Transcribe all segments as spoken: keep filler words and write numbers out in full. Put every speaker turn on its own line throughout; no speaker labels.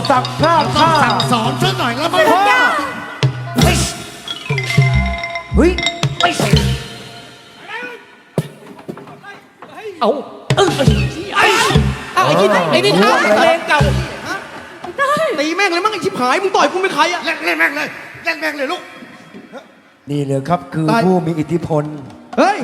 ศักดิ์พลาด
ต้อง
ท่า
สั่งสอนซะหน่อยแล้วมั้ง
พ่อเฮ้ยเอาเออไอ้
ไอ้ที่ไอ้นี่ท้าเพลงเก่าตีแม่งเลยมั้งไอ้ชิบหายมึงต่อยกูไม่ใครอะ
เล่นเล่นแม่งเลยเล่นแม่งเลยลูก
นี่เลยครับคือ
ตาย
ผู้มีอิทธิพล
เฮ้ย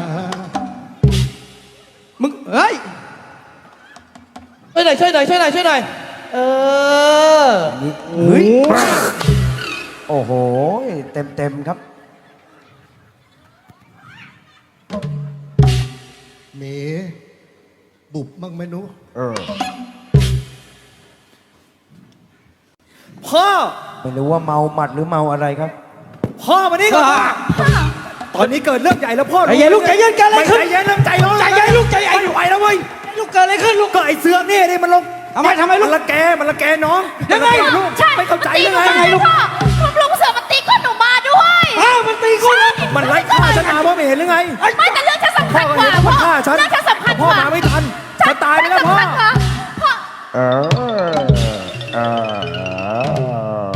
มึงเฮ้ยช่วยหน่อยช่วยหน่อยช่วยหน่อยช่วยหน่อยเออ
เฮ้ยโอ้โหเต็มเต็มๆครับ
เมบุบมั่งไหมหนู
เออ
พ่อ
ไม่รู้ว่าเมาหมัดหรือเมาอะไรครับ
พ่อมานี่ก่อนตอนนี้เกิดเรื่องใหญ่แล้วพ่อ
ใจเย็นลูกใจเย็นกันอะไรขึ้น
ใจเย็นเริ่มใจร้อน
ใจเย็นลูกใจเย็น
ไม่ไหวแล้วเว้ย
ลูกเกิดอะไรขึ้นลูก
ก็ไอ้เสือกนี่นี่มันลง
ทำไมทำไมลูก
มันละแกมันละแกน้อง
ยังไง
ลูก
ใช่
ไม่เข้าใจ
ตี
ยัง
หนู
ไง
มาพ่อคุณลุงเสือมันตีก้นหนูมาด้วย
อ้าวมันตีกูนะ
มันไล่ฆ่าฉันมาว่าไม่เห็นหรือไง
ไม่แต่เรื่องฉันสำ
พ่
คั
อ
ญ
ก็
กว่า
เห็นว่า
พ่
มั
อน
ฆ่าฉัน
เรื่องฉันสำคัญ
พ่
ก
อ
ว่า
มาไม่ทันฉันตายไปแล้วพ่อ
ฉันสำคัญกว่าพ่อ
เออเออ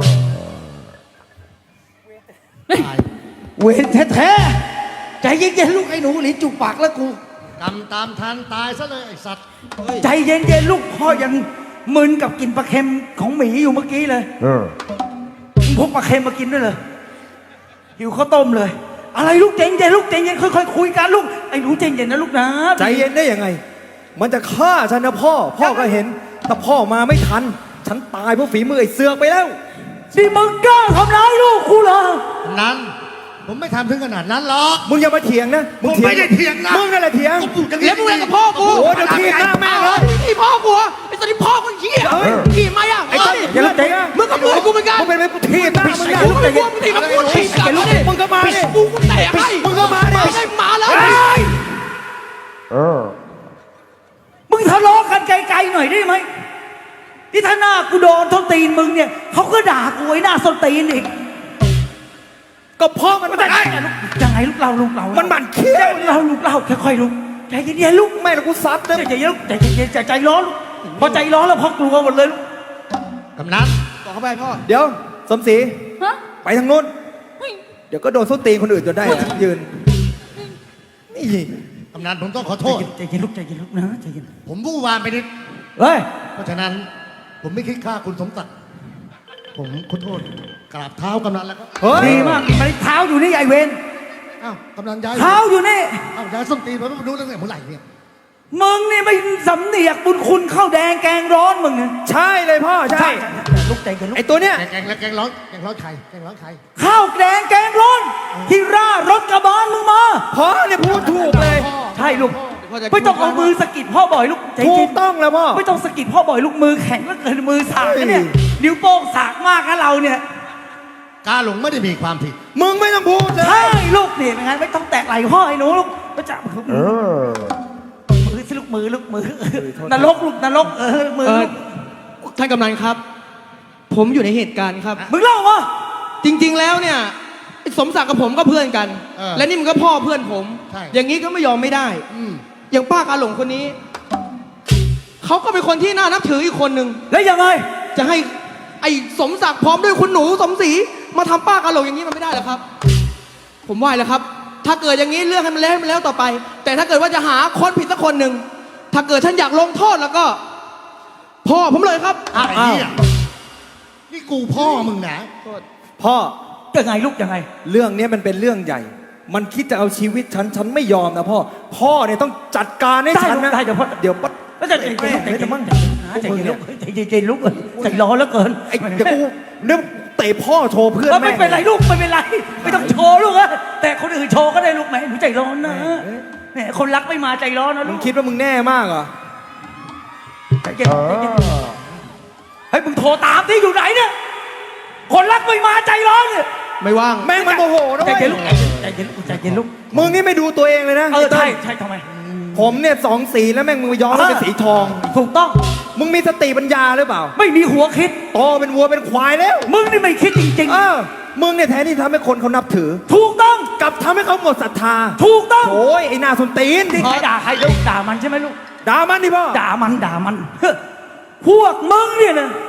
เวรแท้ๆใจเย็นๆลูกไอ้หนูหลีจุกปากแล้วกู
กำตามทันตายซะเลยไอ้สัตว์
ใจเย็นๆลูกพ่อยังมึนกับกินปลาเค็มของหมีอยู่เมื่อกี้เลย
เออ
มึงพกปลาเค็มมากินด้วยเลยหิวข้าวต้มเลย อะไรลูกใจเย็นๆลูกใจเย็นค่อยๆคุยกันลูกไอ้หนูใจเย็นนะลูกนะ
ใจเย็นได้ยังไง มันจะฆ่าฉันนะพ่อ พ่อก็เห็น แต่พ่อมาไม่ทัน ฉันตายเพราะฝีมือไอ้เสือกไปแล้ว
นี่มึงกล้าทำร้ายลูกกูเหรอ
นั้น ผมไม่ทำถึงขนาดนั้นหรอก
มึงอย่ามาเถียงนะ มึง
ผมไม่ได้เถียงนะ
มึงนั่นแหละเถียง
กูพูดอย่าง
เถียงมึงกับพ่อกู โอ้โหเดี๋ยวถีบหน้าแม่งเลย
ไอ้พ่อกูไอ้ตอนนี้พ่อกูเหี้ย
เฮ้ย
ขี่มาอ่ะ
ไอ้ต้นอย่าลุกเตะ
มึงก็พูดกูเหมือนกัน
มึงเป็นไปกูถีบหน้ามึงนะ
กูไม่กลัวมึงตีกับกูถีบกันเลย
มึงก็มาดิ
กูกูเตะให้
มึงก็มาดิ
ไม่ใช่มาแล้ว
เออ
มึงทะเลาะกันไกลๆหน่อยได้ไหมที่ถ้าหน้ากูโดนท้นตีนมึงเนี่ยเขาก็ด่ากูไอ้หน้าส้นตีนอีก
ก็พ่อมันไม่ได้
ยังไงลูกเราลูกเรา
มันหมั่นเคี้ยว
เราลูกเราค่อยๆลูกใจเย็นๆลูก
แม่แล้วกูซัดนะ
ใจเย็นๆลูกใจเย็นๆใจใจร้อนลูกพอใจร้อนแล้วพ่อกลัวหมดเลยลูก
กำนัน
ต่อเข้าไปพ่อ เดี๋ยว สมศรี
ฮะ
ไปทางนู้น
เฮ้ย
เดี๋ยวก็โดนส้นตีนคนอื่นจนได้นะยืน นี่
กำนันผมต้องขอโทษ
ใจเย็นลูกใจเย็นลูกนะใจเย็น
ผมวู่วามไปนิด
เฮ้ย
เพราะฉะนั้น ผมไม่คิดฆ่าคุณสมศักดิ์ผมขอโทษกราบเท้ากำนันแล้วก็
เฮ้ย
ดีมากมันเท้าอยู่นี่ไอเวน
อ้าวกำนันย้าย
เท้าอยู่นี่
อ้าวย้ายส้นตีนผมไม่รู้ตั้งแต่เมื่อไหร่เนี่ย
มึงนี่ไม่สำเนียกบุญคุณข้าวแดงแกงร้อนมึงเนี่ย
ใช่เลยพ่อ ใช่
ลูกใจเย็นลูก
ไอตัวเนี้ย
แกงแกงแล้วแกงร้อนแกงร้อนไข่แกงร้อนไข่
ข้าวแดงแกงร้อนที่ร่ารถกระบาลมึงมา
พ่อเนี่ยพูดถูกเลย
ใช่ลูกไม่ต้องเอามือสะกิดพ่อบ่อยลูกใจ
ถู
เย็
ก
น
ต้องแล้วพ่อ
ไม่ต้องสะกิดพ่อบ่อยลูกมือแข็งแล้วเกินมือสากนะเนี่ย
เฮ้ย
นิ้วโป้งสากมากนะเราเนี่ย
กาหลงไม่ได้มีความผิด
มึงไม่ต้องพูดเลย
ใช่ลูกนี่เป็นไงไม่ต้องแตะไหล่พ่อไอ้หนูลูกก็จะ
เออ
มือสิลูกมือลูกมือนรกลูกนรกเออมือ
เออ
ลูก
ท่านกำนันครับ ผมอยู่ในเหตุการณ์ครับ
มึงเล่ามา
จริง ๆ แล้วเนี่ยไอ้สมศักดิ์กับผมก็เพื่อนกัน
เออ
และนี่มันก็พ่อเพื่อนผม
ใช่
อย่างนี้ก็ไม่ยอมไม่ได้
อืม
อย่างป้ากาหลงคนนี้ เขาก็เป็นคนที่น่านับถืออีกคนหนึ่ง
แล้วยังไง
จะให้ไอ้สมศักดิ์พร้อมด้วยคุณหนูสมศรีมาทำป้ากาหลงอย่างนี้มันไม่ได้หรอกครับ ผมว่าแล้วครับ ถ้าเกิดอย่างนี้เรื่องให้มันแล้วให้มันแล้วต่อไป แต่ถ้าเกิดว่าจะหาคนผิดสักคนหนึ่งถ้าเกิดท่านอยากลงโทษแล้วก็ พ่อผมเลยครับ
ไอ้เหี้ยนี่กูพ่อมึงนะ
พ่อ
ยังไงลูกยังไง
เรื่องเนี้ยมันเป็นเรื่องใหญ่ มันคิดจะเอาชีวิตฉัน ฉันไม่ยอมนะพ่อ พ่อเนี่ยต้องจัดการให้
ได้
ฉัน
ลูก
นะ
ได้เดี๋ยวพ่อ
เดี๋ยวปั๊บ
แล้วใจเย็นใจเย็นใจเย็นใจเย็นลูกใจเย็นใจเย็นลูกใจร้อนแล้วเกิน
ไอ้เดี๋ยวกูเดี๋ยวเตะพ่อโชว์เพื่อน
เออ
แม่
ไม่เป็นไรลูกไม่เป็นไรไม่ต้องโชว์ลูกอะแต่คนอื่นโชว์ก็ได้ลูกแหมหนูใจร้อนนะแหมคนรักไม่มาใจร้อนนะ
มึ
ลู
ง
ก
คิดว่ามึงแน่มากเหรอ
ใจเย็น
เอ
ใจเย็น
อ
เฮ้ยมึงโทรตามที่อยู่ไหนเนี่ยคนรักไม่มาใจร้อนเนี่ย
ไม่ว่าง
แม่งมันโมโหนะ
ใจ
เว้ย
เย็นลูกใจเย็นลูกใจเย็นลูก
มึงนี่ไม่ดูตัวเองเลยนะ
เออใช่
ไต้น
ใช่ทำไม
ผมเนี่ยสองสีแล้วแม่งมึงย้อมเป็นสีทอง
ถูกต้อง
มึงมีสติปัญญาหรือเปล่า
ไม่มีหัวคิด
โตเป็นวัวเป็นควายแล้ว
มึงนี่ไม่คิดจริง
เออ มึงเนี่ยแทนที่ทำให้คนเขานับถือ
ๆ ถูกต้อง
กลับทำให้เขาหมดศรัทธา
ถูกต้อง
โอ้ยไอ้หน้าสนตีน
ที่ใครด่าใครลูกด่ามันใช่ไหมลูก
ด่ามันดิพ่อ
ด่ามันด่ามันเฮ้อพวกมึงเนี่ยนะ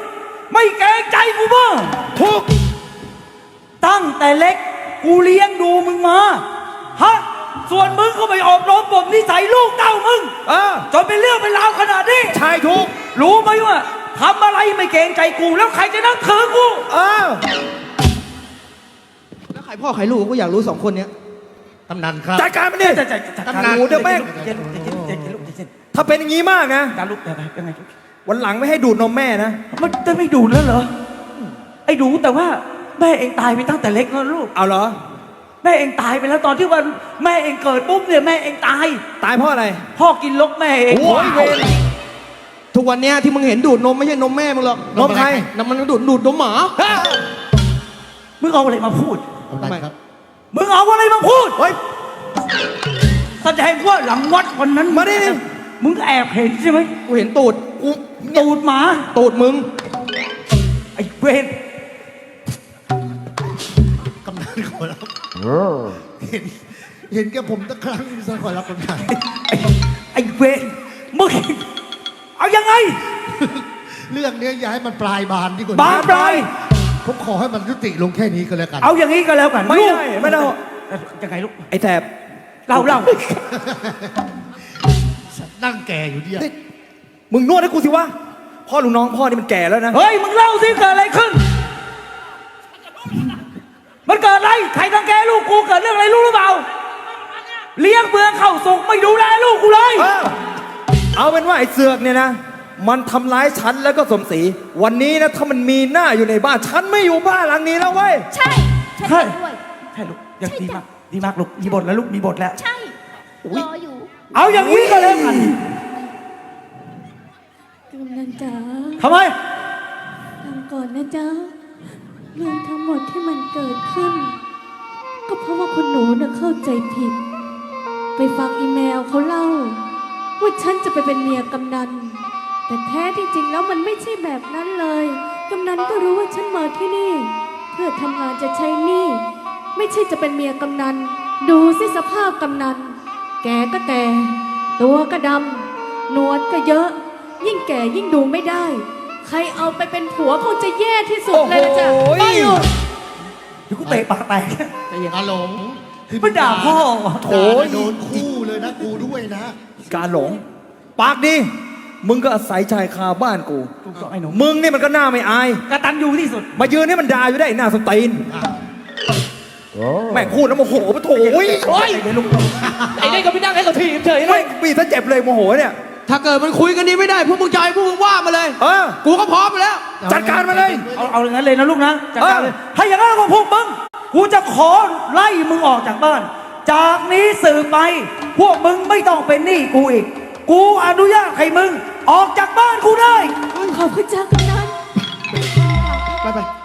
ไม่เกรงใจกูบ้าง
ทุก
ตั้งแต่เล็กกูเลี้ยงดูมึงมาฮะส่วนมึงก็ไปอบรมบ่มนิสัยลูกเต้ามึง
เออ
จนเป็นเรื่องเป็นราวขนาดนี้
ชายทุก
รู้ไหมว่าทำอะไรไม่เกรงใจกูแล้วใครจะนับถือกู
เออ
แล้วใครพ่อใครลูกก็อยากรู้สองคนเนี้ย
กำนันครับ
จัดการมันดิ
จะจะจะ
กำนันเดี๋ยวแม่ง
เย็นเย็นเย็นเย็นเย็นลูกเย็น
ถ้าเป็นอย่างนี้มากนะ
การลูกยังไงยังไงลูก
วันหลังไม่ให้ดูดนมแม่นะ
มันจะไม่ดูดแล้วเหรอไอ้ดูแต่ว่าแม่เองตายไปตั้งแต่เล็กแล้วลูก
เอาเหรอ
แม่เองตายไปแล้วตอนที่วันแม่เองเกิดปุ๊บเนี่ยแม่เองตาย
ตายเพราะอะไร
พ่อกินลกแม่เอง
โอ้ยเวร
ทุกวันเนี้ยที่มึงเห็นดูดนมไม่ใช่นมแม่มึงหรอก
นมใคร
นมมันดูดดูดนมหมา
มึงเอาอะไรมาพูด
กำนันครับ
มึงเอาอะไรมาพูด
เฮ้ย
แสดงว่าหลังวัดวันนั้น
มาดิ
มึงแอบเห็นใช่ไหม
กูเห็นตูดกู
ตูดหมา
ตูดมึง
ไอ้เวร
กำนันขอรับเห็นเห็นแกผมตะครั้งสักขอรับกำนัน
ไอ้ไอ้เวรมึงเอายังไง
เรื่องเนี้ยอย่าให้มันปลายบานดีกว่า
บานปลาย
ผมขอให้มันยุติลงแค่นี้ก็แล้วกัน
เอาอย่างนี้ก็แล้วกัน
ไม่
ลูก
ได้ไม่ได้
ยังไงลูก
ไอ้แถบ
เล่าเล่า
นั่งแก่อยู่เนี่ย
นี่มึงนวดให้กูสิวะ พ่อลุงน้องพ่อนี่มันแก่แล้วนะ
เฮ้ยมึงเล่าสิเกิดอะไรขึ้น มันเกิดอะไรใครตั้งแกลูกกูเกิดเรื่องอะไรรู้หรือเปล่าเลี้ยงเบืองเข้าสุกไม่ดูแลลูกกูเลย
เออเอาเป็นว่าไอ้เสือกเนี่ยนะ มันทำร้ายฉันแล้วก็สมศรีวันนี้นะถ้ามันมีหน้าอยู่ในบ้าน ฉันไม่อยู่บ้านหลังนี้แล้วเว้ย
ใช่ฉันเห็นด้วย
ใช่ลูกยัง
ใช่
ดี
จ้ะ
มากดีมากลูกมีบทแล้วลูกมีบทแล้ว
ใช่รออยู่
เอาอย่างนี้ก็แล้วกัน
กำนันจ๋า
ทำไม
ฟังก่อนนะจ๊ะเรื่องทั้งหมดที่มันเกิดขึ้น ก็เพราะว่าคุณหนูน่ะเข้าใจผิด ไปฟังอีเมลเขาเล่า ว่าฉันจะไปเป็นเมียกำนัน แต่แท้ที่จริงแล้วมันไม่ใช่แบบนั้นเลยกำนันก็รู้ว่าฉันมาที่นี่ เพื่อทำงานจะใช้หนี้ไม่ใช่จะเป็นเมียกำนัน ดูสิสภาพกำนัน แกก็แก่ตัวก็ดำหนวดก็เยอะ ยิ่งแก่ยิ่งดูไม่ได้ ใครเอาไปเป็นผัวคงจะแย่ที่สุดเลยนะจ๊ะ
โอ้โห
ไปอยู่
เดี๋ยวกูเตะปากแตก
อาหลง
มันด่าพ่อ
โถยโดนคู่เลยนะกูด้วยนะ
การหลง ปากดีมึงก็อาศัยชายคาบ้านกู
ถูกต้องไอ้หนู
มึงนี่มันก็หน้าไม่อาย
กระตันอยู่ที่สุด
มายืนนี่มันด่าอยู่ได้หน้าสตีนแม่งพูดแล้วโมโหปะโถย
โอ้ยเดี๋ยวลูก
ไอ้นี่ก็ไม่นั่งให้เขาทีบเฉยเล
ไม่
ย
ปีซะเจ็บเลยโมโหเนี่ย
ถ้าเกิดมันคุยกันนี้ไม่ได้พวกมึงใจพวกมึงว่ามาเลย
เออ
กูก็พร้อมไปแล้ว
จัดการมาเลย
เอาเอาอย่างนั้นเลยนะลูกนะจัดการเลย
เออ
ถ้าอย่างนั้นก็พวกมึงกูจะขอไล่มึงออกจากบ้าน จากนี้สื่อไป พวกมึงไม่ต้องเป็นหนี้กูอีก กูอนุญาตให้มึง ออกจากบ้านกูได้
ขอบคุณจ้ากำนัน
ไปไป